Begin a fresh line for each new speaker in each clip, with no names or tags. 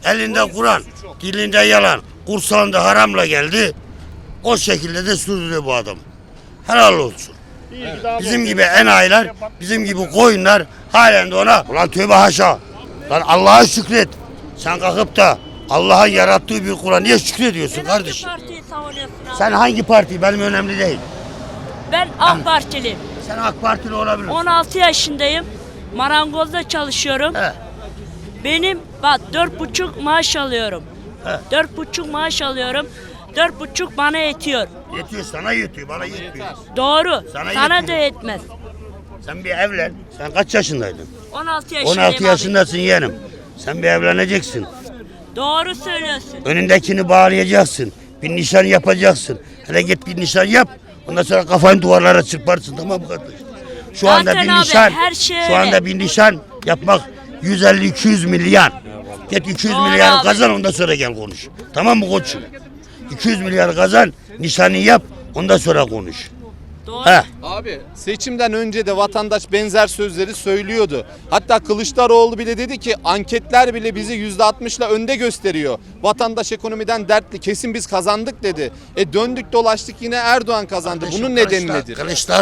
Elinde Kur'an, dilinde yalan, kursağında haramla geldi. O şekilde de sürdürüyor bu adam. Helal olsun. Bizim gibi enayiler, bizim gibi koyunlar halen de ona ulan tövbe haşa. Lan Allah'a şükret. Sen kalkıp da Allah'ın yarattığı bir Kur'an niye şükrediyorsun kardeşim?
Hangi partiyi savunuyorsun abi?
Sen hangi parti? Benim önemli değil.
Ben AK Partiliyim.
Sen AK Partili olabilirsin.
16 yaşındayım. Marangozda çalışıyorum.
He.
Benim bak 4,5 maaş alıyorum.
He.
4,5 maaş alıyorum. 4,5 bana yetiyor.
Yetiyor, sana yetiyor, bana yetmiyor.
Doğru.
Sana
Sana
yetmiyor.
da yetmez.
Sen bir evlen. Sen kaç yaşındaydın?
16 yaşındayım
16
abi.
yaşındasın yeğenim. Sen bir evleneceksin.
Doğru söylüyorsun.
Önündekini bağlayacaksın. Bir nişan yapacaksın. Hele git bir nişan yap. Ondan sonra kafanı duvarlara çırparsın, tamam mı kardeş? Şu anda
Zaten
bir
abi,
nişan,
her şey
şu
öyle.
anda bir nişan yapmak 150-200 milyar. Git 200
Doğru
milyar
abi.
kazan, ondan sonra gel konuş. Tamam mı koçum? 200 milyar kazan, nişanı yap, ondan sonra konuş.
Doğru.
He.
Abi seçimden önce de vatandaş benzer sözleri söylüyordu. Hatta Kılıçdaroğlu bile dedi ki anketler bile bizi %60'la önde gösteriyor. Vatandaş ekonomiden dertli, kesin biz kazandık dedi. Döndük dolaştık yine Erdoğan kazandı. Bunun nedeni nedir?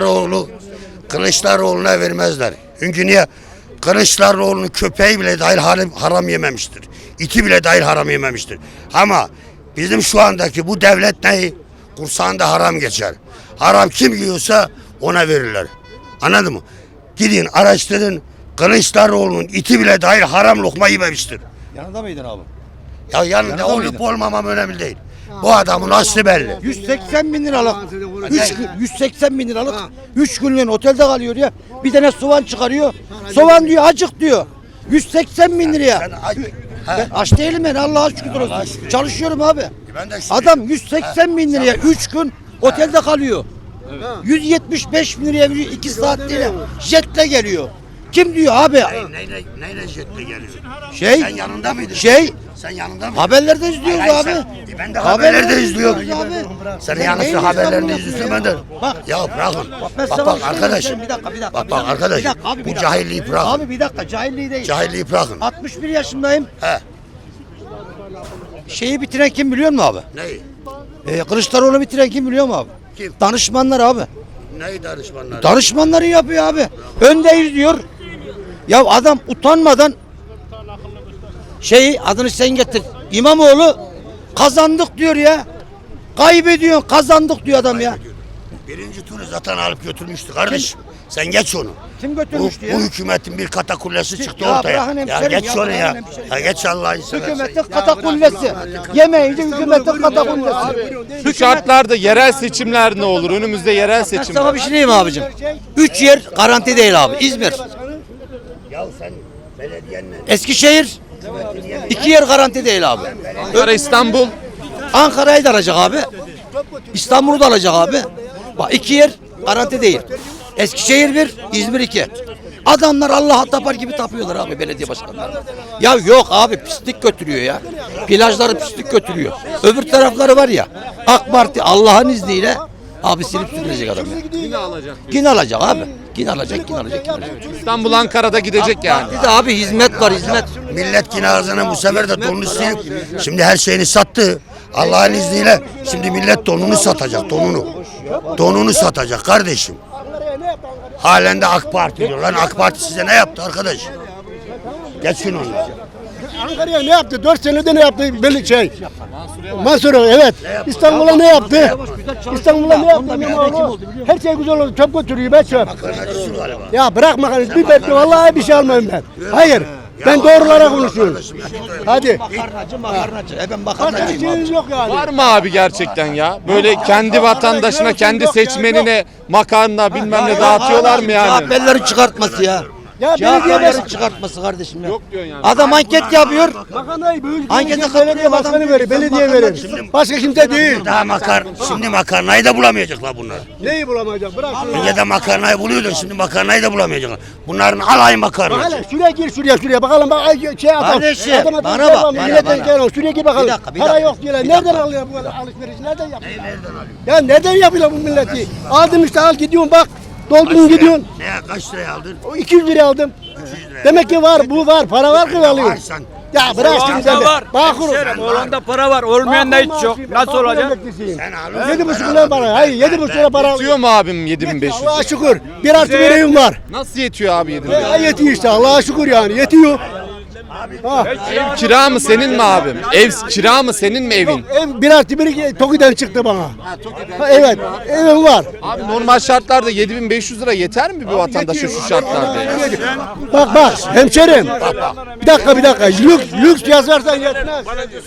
Kılıçdaroğlu'na vermezler. Çünkü niye? Kılıçdaroğlu'nun köpeği bile dahil haram yememiştir. İti bile dahil haram yememiştir. Ama bizim şu andaki bu devlet neyi? Kursağında haram geçer. Haram kim yiyorsa ona verirler. Anladın mı? Gidin araştırın. Kılıçdaroğlu'nun iti bile dahil haram lokma yememiştir.
Yanında mıydın abi?
Ya yanında
Yanında
olup
mıydın?
olmamam önemli değil. Bu adamın aslı belli.
180 bin liralık. 180 bin liralık. 3 günlüğün otelde kalıyor ya. Bir tane soğan çıkarıyor. Soğan diyor acık diyor. 180 bin liraya.
Sen
Ben aç değilim ben, Allah'a şükür olsun. Çalışıyorum abi.
Ben de şükür.
Adam 180 bin liraya 3 gün otelde kalıyor. 175 bin liraya 2 saatliğine jetle geliyor. Kim diyor abi?
Neyle jetle geliyor?
Şey,
Sen yanında mıydın? Sen yanında mıydın?
haberlerde izliyoruz
Hayır,
abi.
Ben de haberlerde izliyorum.
abi.
Sen
Sen
yanlış
neyin
haberlerini
İstanbul'u
izliyorsun ben de.
Bak.
Ya bırakın.
Ben
Bak
sana
bak
bir şey
arkadaşım.
söyleyeyim. Bir dakika.
Bak arkadaşım.
Bir dakika abi, bir
Bu
dakika.
cahilliği bırakın.
Abi bir dakika, cahilliği değil.
Cahilliği bırakın.
61 yaşındayım.
He.
Şeyi bitiren kim biliyor musun abi?
Neyi?
Kılıçdaroğlu bitiren kim biliyor musun abi?
Kim?
Danışmanlar abi.
Neyi danışmanlar?
Danışmanları yapıyor abi. Öndeyiz diyor. Ya adam utanmadan adını sen getir. İmamoğlu kazandık diyor ya. Kaybediyor, kazandık diyor adam ya.
Birinci turu zaten alıp götürmüştü kardeşim. Sen geç onu.
Kim götürmüştü ya?
Bu hükümetin bir katakullesi çıktı
Ya
ortaya.
bırakın
Ya
hemşerim,
geç
ya
onu ya.
bırakın hemşerim.
Ya geç Allah'ını seversen.
Hükümetin katakullesi. Yemeyince hükümetin katakullesi.
Şu şartlarda yerel seçimler ne olur? Önümüzde yerel
Ben
seçimler.
sana bir şey diyeyim abicim. 3 yer garanti değil abi. İzmir,
Ya sen belediyenle
Eskişehir, 2 yer garanti değil abi.
Ankara, İstanbul.
Ankara'yı da alacak abi. İstanbul'u da alacak abi. Bak 2 yer garanti değil. Eskişehir 1, İzmir 2. Adamlar Allah'a tapar gibi tapıyorlar abi belediye başkanları. Ya yok abi, pislik götürüyor ya. Plajları pislik götürüyor. Öbür tarafları var ya, AK Parti Allah'ın izniyle abi silip süpürecek adam ya.
Yine alacak.
Yine alacak abi. Yine alacak.
İstanbul, Ankara'da gidecek yani.
Bir de abi hizmet var, hizmet.
millet yine ağzına bu sefer de donunu silip şimdi her şeyini sattı. Allah'ın izniyle şimdi millet donunu satacak, donunu. Donunu satacak kardeşim. Halen de AK Parti diyor. Lan AK Parti size ne yaptı arkadaş? Geçin onu.
Ankara'ya ne yaptı? 4 senede ne yaptı? Belli şey. Mansur evet. İstanbul'a ne yaptı? İstanbul'a ne yaptı? İmamoğlu? Her şey güzel oldu. Çöp götürüyor. Ben çöp.
Makarnacısın galiba.
Ya bırak makarnayı. Bir bekle. Vallahi bir şey almayayım ben. Hayır. Ben doğrulara konuşuyorum. Hadi.
Makarnacı. Ben
Başka
makarnacıyım abi.
şeyiniz yok yani.
Var mı abi gerçekten ya? Böyle kendi vatandaşına, kendi seçmenine makarna bilmem ne dağıtıyorlar mı yani?
CHP'lilerin çıkartması ya.
Ya belediye
CHP'lilerin çıkartması kardeşim ya.
Yok diyorsun yani.
Adam anket yapıyor.
makarnayı büyük
Ankete
belediye
katılıyor
başkanı
adam.
verir. Belediye verir. Başka kimse değil.
Daha şimdi makarnayı da bulamayacaklar bunlar.
Neyi bulamayacak? Bırak.
Önce de makarnayı buluyordu, şimdi makarnayı da bulamayacaklar. Bunların alayı makarna.
Hele şuraya gir şuraya bakalım bak şey adam.
Kardeşim,
Adam
bana bak, bana.
Şuraya gir bakalım.
Bir dakika,
Para
dakika.
yok diyorlar.
Bir
Nereden
dakika.
alıyor bu alışverişi? Nereden yapıyor? Ya nereden yapıyor bu milleti? Aldım işte al gidiyorsun bak. Doldurun gidiyorsun.
Ne kaç liraya aldın?
O 200 liraya aldım.
200 liraya.
Demek ki var bu var. Para var ki alıyor. Ya bırak şimdi sen de. Bağkur.
Oğlanda para var, olmayan da hiç yok. Nasıl olacak?
Sen alıyorsun.
7,5 lira para. Hayır 7,5 lira para.
Yetiyor mu abim 7500?
Allah'a şükür. 1+1 evim var.
Nasıl yetiyor abi 7500?
Yetiyor işte Allah'a şükür yani yetiyor. Ha.
Ev kira mı senin mi abim? Ev kira mı senin mi evin?
Ev 1+1 TOKİ'den çıktı bana. Ha, evet evim var.
Abi normal şartlarda 7500 lira yeter mi bir vatandaşa şu şartlarda?
Bak hemşerim. Bir dakika. Lüks yazarsan yetmez.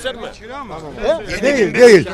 Değil.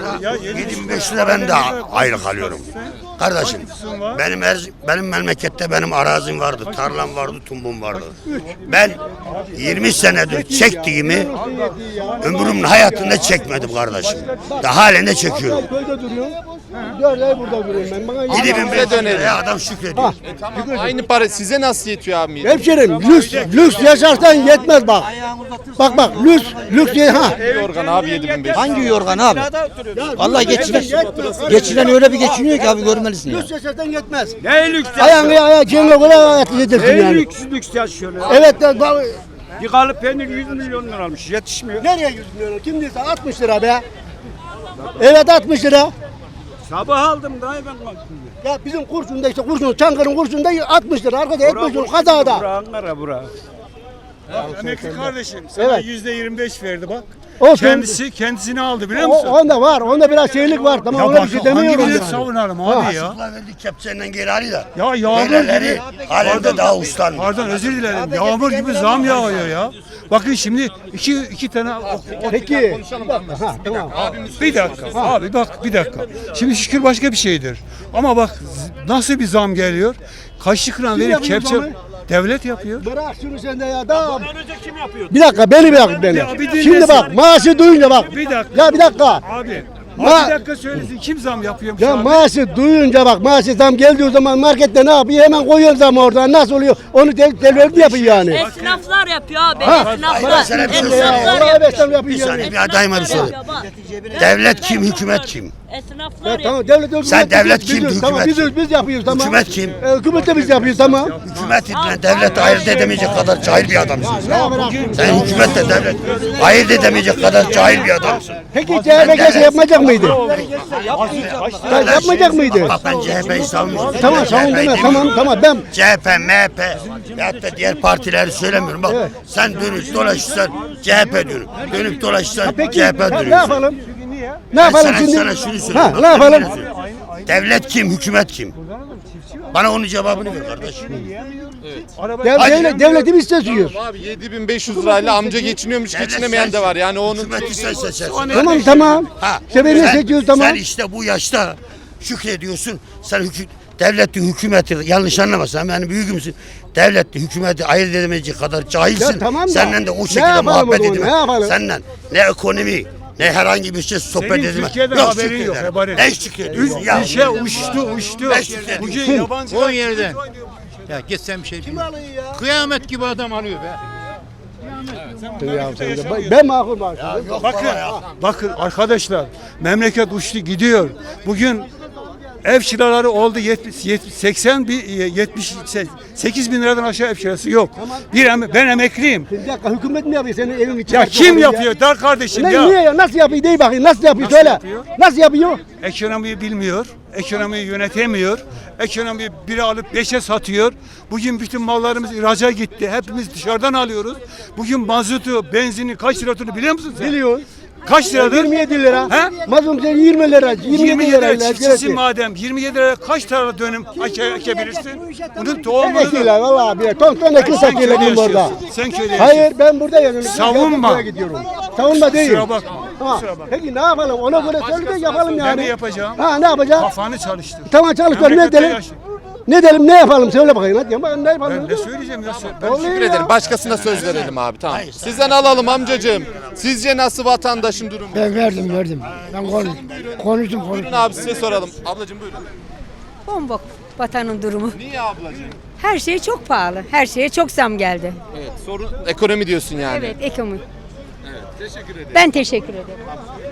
75 lira ben de ayrı kalıyorum. Kardeşim benim memlekette benim arazim vardı, tarlam vardı, tumbum vardı. Ben 20 senedir çektiğimi ömrümün hayatında çekmedim kardeşim. Daha halen de çekiyorum.
Köyde duruyorum. 4 ay burada duruyorum ben. Bana
7500 liraya adam şükrediyor.
Tamam, aynı para size nasıl yetiyor abi?
hemşerim lüks yaşarsan yetmez bak. Bak lüks ha.
Yorgan abi 7500.
Hangi yorgan abi? Vallahi geçinen öyle bir geçiniyor ki abi görmelisin ya.
Lüks yaşarsan yetmez.
Ne lüks
Ayağı cemle göre hayatı yedirsin
Ne
yani.
lüks yaşıyor ya.
Evet de
Bir kalıp peynir 100 milyon lira almış, yetişmiyor.
nereye 100 milyon? Kim diyorsa 60 lira be. Evet 60 lira.
Sabah aldım daha ben baktım.
Ya bizim Kurşun'da işte Çankırı'nın Kurşun'da 60 lira. Arkada 75 lira kazada.
Bura Ankara bura.
Emekli kardeşim sana
Evet.
%25 verdi bak.
Olsun.
Kendisini aldı biliyor musun?
Onda var. Onda biraz şeylik var. Tamam ona bir şey demiyorum.
hangi
yani.
savunalım abi ya?
Sıkla verdik kepçenden geri alıyor da.
Ya yağmur
Böyleleri
gibi.
halen de daha uslanmıyor.
Pardon özür dilerim. Yağmur gibi zam yağıyor ya. Bakın şimdi iki tane
Peki. Ha, tamam.
bir dakika abi bak bir dakika. Şimdi şükür başka bir şeydir. Ama bak nasıl bir zam geliyor. Kaçlık lira verip
yapıyor
kepçe
zamı?
devlet yapıyor.
Bırak şunu sen de ya. Daha. Bir dakika beni bırak beni.
Ya bir dinle
Şimdi
sen.
bak maaşı duyunca bak.
Bir dakika.
Ya bir dakika.
Abi
Ma-
bir dakika söylesin kim zam yapıyormuş
Ya
abi?
maaşı duyunca bak maaşı zam geldiği zaman markette ne yapıyor? Hemen koyuyor zamı oradan. Nasıl oluyor? Onu devlet yapıyor yani.
Esnaflar yapıyor abi.
Hayır,
Esnaflar.
sen bir şey
Esnaflar
Allah
yapıyor.
esnaf yapıyor
Bir
yani.
saniye bir adayıma bir soru.
Yapıyor bak.
Devlet kim, hükümet kim?
Esnaflar
Ya
yapıyor.
tamam devlet
Sen devlet
biz-
kim,
biz- Tamam
hükümet
biz yapıyoruz tamam.
Hükümet kim?
Hükümet de biz yapıyoruz tamam.
Hükümet ile devlet ayırt edemeyecek kadar cahil bir adamsın.
Ya bırak.
Sen hükümetle devlet ayırt edemeyecek kadar cahil bir adamsın.
Peki CHP gelse yapmayacak mıydı? Ya yapmayacak mıydı?
Bak ben CHP'yi savunmuyorum.
Tamam savun deme tamam ben
CHP, MHP ya da diğer partileri söylemiyorum. Bak sen dönüp dolaşırsan CHP diyorsun. Dönüp dolaşırsan
peki
CHP
ne
diyorsun.
yapalım? Ne
Ben
yapalım
sana,
şimdi?
sana şunu
Ha,
söyleyeyim.
ne yapalım?
Devlet kim, hükümet kim? Bana onun cevabını ver kardeş.
Devletimiz istiyoruz.
Abi 7500 lirayla amca geçiniyormuş, geçinemeyen de var. Yani onun
Hükümeti sen seçersin.
Tamam.
Ha,
İşte beni seçiyoruz tamam.
Sen işte bu yaşta şükrediyorsun. Sen devleti, hükümeti yanlış anlamasan yani büyüğümsün. Devleti, hükümeti ayırt edemeyecek kadar cahilsin.
Ya tamam da,
Senden de o
ne
şekilde
yapalım
muhabbet
o zaman,
edemem.
ne yapalım?
Senden ne ekonomi ne herhangi bir şey sohbet
Senin
edemem.
Türkiye'den haberin yok, haberin.
Ne şükrediyorsun ya?
Ülke uçtu.
Ben şükrediyorum.
Bugün yabancı
O yerden. Ya git sen bir şey bilmiyorum. Kıyamet gibi adam alıyor be.
Ben makul var.
Bakın arkadaşlar memleket uçtu gidiyor. Bugün ev kiraları oldu 78 bin liradan aşağı ev kirası yok. Ben emekliyim.
Bir dakika hükümet mi yapıyor senin evin için?
Ya kim yapıyor dar kardeşim
Ne,
ya?
niye ya? Nasıl yapıyor? Değil bakayım. Nasıl yapıyor? Söyle.
yapıyor?
Nasıl yapıyor?
Ekonomiyi bilmiyor, ekonomiyi yönetemiyor, ekonomiyi biri alıp beşe satıyor. Bugün bütün mallarımız ihraca gitti, hepimiz dışarıdan alıyoruz. Bugün mazotu, benzini kaç lira olduğunu biliyor musun sen?
Biliyor.
Kaç liradır?
27 lira.
He?
Mazlum sen 20 lira. 27 lira.
çiftçisi madem 27 liraya kaç tane dönüm ekebilirsin? Bunun tohumunu
Ekiyorlar vallahi abi. Ton ekil
sen
satıyorlar
köyde
burada.
yaşıyorsun. Sen köyde
Hayır
yaşıyorsun.
ben burada yaşıyorum.
Savunma.
Ben buraya gidiyorum. Savunma değil.
Kusura bakma.
Ha.
Kusura bakma.
Peki ne yapalım? Ona göre söyle de yapalım yani.
Ben de yapacağım.
Ha ne yapacağız?
Kafanı çalıştır.
Tamam çalışıyorum. Ne
Memlekette
edelim?
yaş-
Ne edelim? Ne yapalım? Söyle bakayım. Hadi ya. Ne yapalım?
Ben ne söyleyeceğim ya? Ben
Oluyor
Teşekkür
ya.
ederim. Başkasına söz verelim abi tamam. Sizden alalım amcacığım. Sizce nasıl vatandaşın durumu?
Ben verdim. Ben konuştum.
Buyurun abi size soralım. Ablacığım buyurun.
Bombok vatanın durumu.
Niye ablacığım?
Her şey çok pahalı. Her şeye çok zam geldi.
Evet sorun ekonomi diyorsun yani.
Evet, ekonomi. Ben teşekkür ederim.